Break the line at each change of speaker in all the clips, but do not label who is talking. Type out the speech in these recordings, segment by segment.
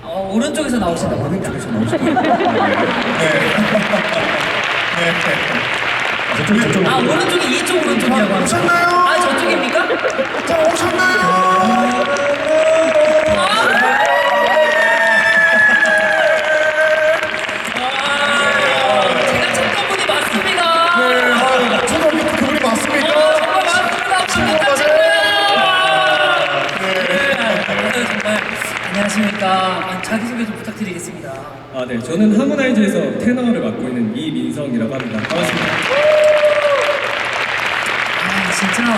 오른쪽에서 나오신다.
오른쪽에서 나오시네요. 네. 네.
아, 오른쪽이 이쪽 오른쪽이라고 하는
오셨나요?
아, 저쪽입니까?
자, 오셨나요?
제가 찾던 분이 맞습니다.
네, 초등학교 그분이 맞습니까?
정말 맞습니다. 지금 딱 찍어요. 정말 안녕하십니까. 자기소개 좀 부탁드리겠습니다.
아, 네. 저는 하모나이즈에서 테너를 맡고 있는 이민성이라고 합니다. 반갑습니다.
아, 진짜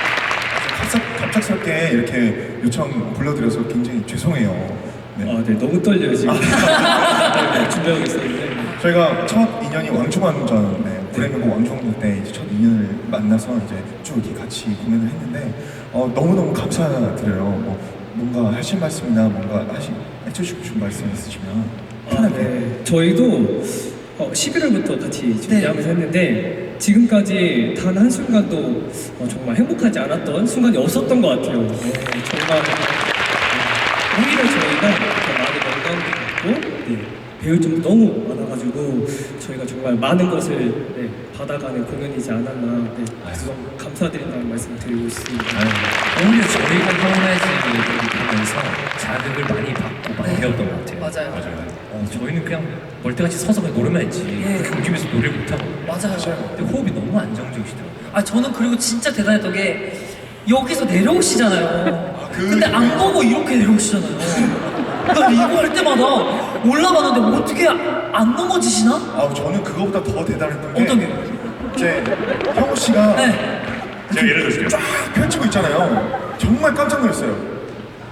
갑작스럽게 이렇게 요청 불러드려서 굉장히 죄송해요. 네.
아, 네. 너무 떨려요, 지금. 네, 준비하고 있었는데.
저희가 첫 인연이 왕중왕전, 브레이브고 왕중왕전 때 이제 첫 인연을 만나서 이제 쭉 이렇게 같이 공연을 했는데 너무너무 감사드려요. 뭔가 하실 말씀이나 뭔가 해주시고 싶은 말씀 있으시면 편하게.
네. 저희도 11월부터 같이 준비하면서 했는데 지금까지 단 한순간도 정말 행복하지 않았던 순간이 없었던 것 같아요. 네, 정말 오히려 저희가 더 많이 건강도 받고 배울 점도 너무 많아가지고 저희가 정말 많은 것을 받아가는 공연이지 않았나 그래서 너무 감사드린다는 말씀 드리고 있습니다.
오히려 저희가 하모나이즈를 보면서 자극을 많이 받고 많이 배웠던 것 같아요.
맞아요.
저희는 그냥 멀때같이 서서 그냥 노래만 했지 그렇게 움직이면서 노래를 못하고
맞아요.
근데 호흡이 너무 안정적이시더라고요.
아, 저는 그리고 진짜 대단했던 게 여기서 내려오시잖아요.
그
근데 안 보고 이렇게 내려오시잖아요. 나 이거 할 때마다 올라가는데 어떻게 안 넘어지시나?
저는 그거보다 더 대단했던 게
어떤 게?
이제 형우 씨가
네.
제가 예를 들어줄게요. 쫙 펼치고 있잖아요. 정말 깜짝 놀랐어요.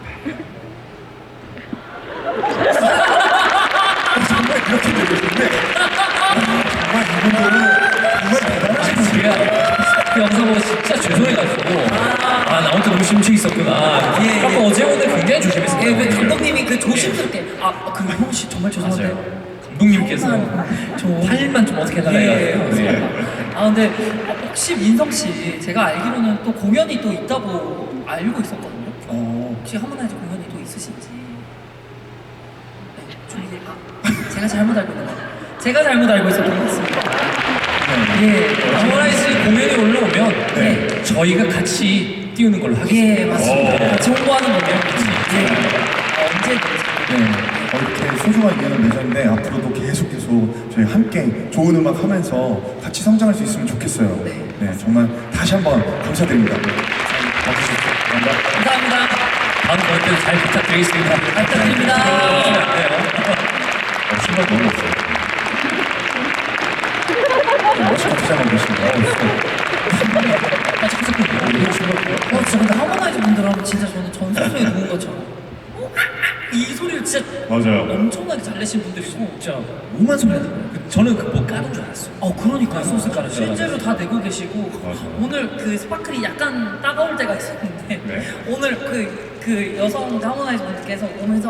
정말 이렇게 되고 있는데 정말 이분들은 정말 대단하신
제가 그 영상 보고 진짜 죄송해가지고 나 혼자 너무 심취 있었구나.
예,
아까
예.
어제 오늘 굉장히 조심했어요.
예, 왜 감독님이 그 조심스럽게 그리고 형우 씨 정말 죄송한데
맞아요. 감독님께서
저
팔만 좀 어떻게 해달라 해가지고
근데 혹시 민성 씨 제가 알기로는 또 공연이 또 있다고 알고 있었거든요. 혹시 하모나이즈 공연이 또 있으신지? 네, 준비. 제가 잘못 알고 있는 거. 제가 잘못 알고 있었던 것 같습니다. 예,
하모나이즈 공연이 올라오면
네.
저희가 같이 띄우는 걸로 하겠습니다.
예, 맞습니다. 같이 홍보하는 거죠. 예. 언제든지.
이렇게 소중한 인연을 맺었는데 앞으로도 계속 저희 함께 좋은 음악 하면서 같이 성장할 수 있으면 좋겠어요.
네.
정말 다시 한번 감사드립니다.
감사합니다.
다음 번 때도 잘 부탁드리겠습니다.
부탁드립니다.
신발 너무 없어요. 멋있게 포장하고 계십니다.
진짜 근데 하모나이즈 분들 하면 진짜 저는 전소소에 누운 것처럼 이 소리를 진짜
맞아요.
엄청나게 잘 내신 분들이고
진짜 오만 소리 하는 거예요. 저는 그 뭐 까는 줄 알았어요.
그러니까요.
소스 깔은 줄
실제로 다 내고 계시고
맞아요.
오늘 그 스파클이 약간 따가울 때가 있었는데
네.
오늘 그 여성 하모나이즈 분들께서 오면서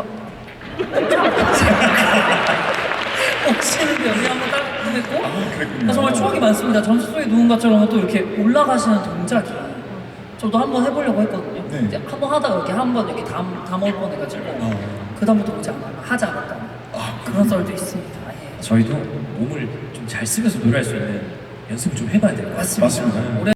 오시는데 여기 한번 따끔했고
그랬군요.
정말 추억이 많습니다. 전소소에 누운 것처럼 또 이렇게 올라가시는 동작이 저도 한번 해보려고 했거든요.
네.
이제 한번 하다가 이렇게 한번 이렇게 담을 뻔해가지고 그다음부터 오지 하지 않았다. 그런 썰도 있습니다. 예.
저희도 몸을 좀 잘 쓰면서 노래할 수 있는 연습을 좀 해봐야 될 것 같아요.
맞습니다.
맞습니다.
올해